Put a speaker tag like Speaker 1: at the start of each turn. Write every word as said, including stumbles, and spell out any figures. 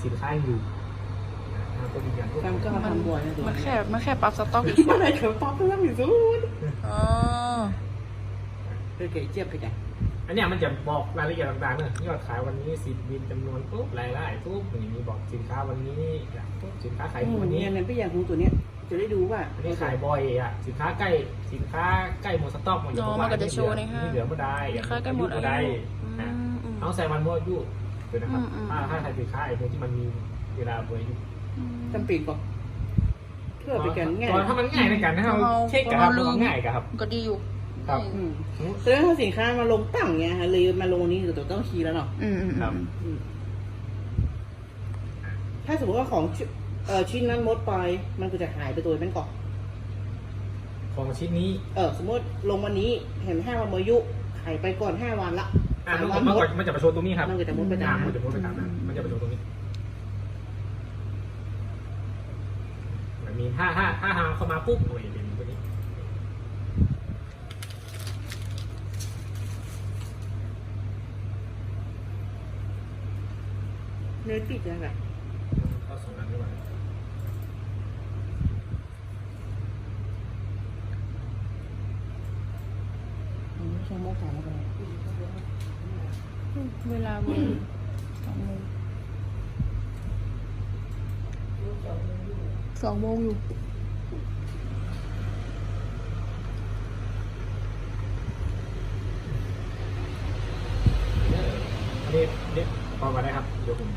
Speaker 1: สินค้าอยู่นะครับก็มีอย่างพวก
Speaker 2: ทำก็มาทำบ่อยนะ
Speaker 3: มันแค่มันแค่ปรับสต็อกอีก
Speaker 2: มันอะไรเขาป๊อปเรื่องอยู่สุด
Speaker 3: อ๋อ
Speaker 2: เออเก๋เจี๊ยบไปไหน
Speaker 1: อันเนี้ยมันจะบอกรายละเอียดต่างๆเนี่ยยอดขายวันนี้สิบบินจำนวนปุ๊บรายได้ปุ๊บอย่างนี้บอกสินค้าวันนี้ปุ๊บสินค้าขาย
Speaker 2: อืม
Speaker 1: วันนี้
Speaker 2: เนี่ยนั่นพี่อยากรู้ตัวเนี้ยจะได้ดูว่า
Speaker 1: อันนี้ขายบ่อยอ่ะสินค้าใกล้สินค้าใกล้หมดสต็อกมัน
Speaker 3: อ๋อมันก็จะโชว์ในห้าง
Speaker 1: นี่เหลือไม่ได้
Speaker 3: สินค้าใกล้หมดอายุ
Speaker 1: ได้
Speaker 3: อืมอืม
Speaker 1: น้องใส่มันมั่วยุ่เดี๋ยวนะครับ
Speaker 3: อืมอืม
Speaker 1: ถ้าถ้าใครสินค้าไอ้พวกที่มันมีเวลาเบอร์อยู่
Speaker 3: อืม
Speaker 2: จำเป็นก่อนเพื่อไปกันง่าย
Speaker 1: ตอนถ้ามันง่ายในการถ้าเรา
Speaker 3: เรา
Speaker 1: เช็คกับครับ
Speaker 3: เราลืม
Speaker 1: มันง่ายกับครับ
Speaker 3: ก็ดีอยู่
Speaker 1: ครับ
Speaker 2: อืมแสดงว่าสินค้ามาลงตั้งเงี้ยฮะเลยมาลงนี้ตัวต้องคีย์แล้วเนาะ
Speaker 3: อืมอืม
Speaker 1: ครับ
Speaker 2: อืมถ้าสมมติว่าของชิ้นเอ่อชิ้นนั้นมดไปมันก็จะหายไปตัวเป็นก่อน
Speaker 1: ของชิ้นนี้
Speaker 2: เออสมมติลงวันนี้เห็นห้าวันมายุหายไปก่อนห้าวันละ
Speaker 1: อ่ะ
Speaker 2: สาม
Speaker 1: มัน
Speaker 2: วัน
Speaker 1: มัน
Speaker 2: มด
Speaker 1: มันจะประชดตรงนี้ครับ
Speaker 2: มันก็จะมดไป
Speaker 1: อ่า
Speaker 2: ตาม
Speaker 1: มันจะมดไปตามนั้นมันจะประชดตรงนี้มันมีถ้าถ้าถ้าหาเข้ามาปุ๊บโอ้ยเป็นตัวนี้
Speaker 2: เนื้อปิดยังไง
Speaker 1: เข้าสองอันด้วย
Speaker 2: อืมชั่วโมงสามแล้วกัน
Speaker 3: เวลาเวลสองโมงสองโมงอยู่
Speaker 1: อันนี้เด็กพอมาได้ครับเดี๋ยวผม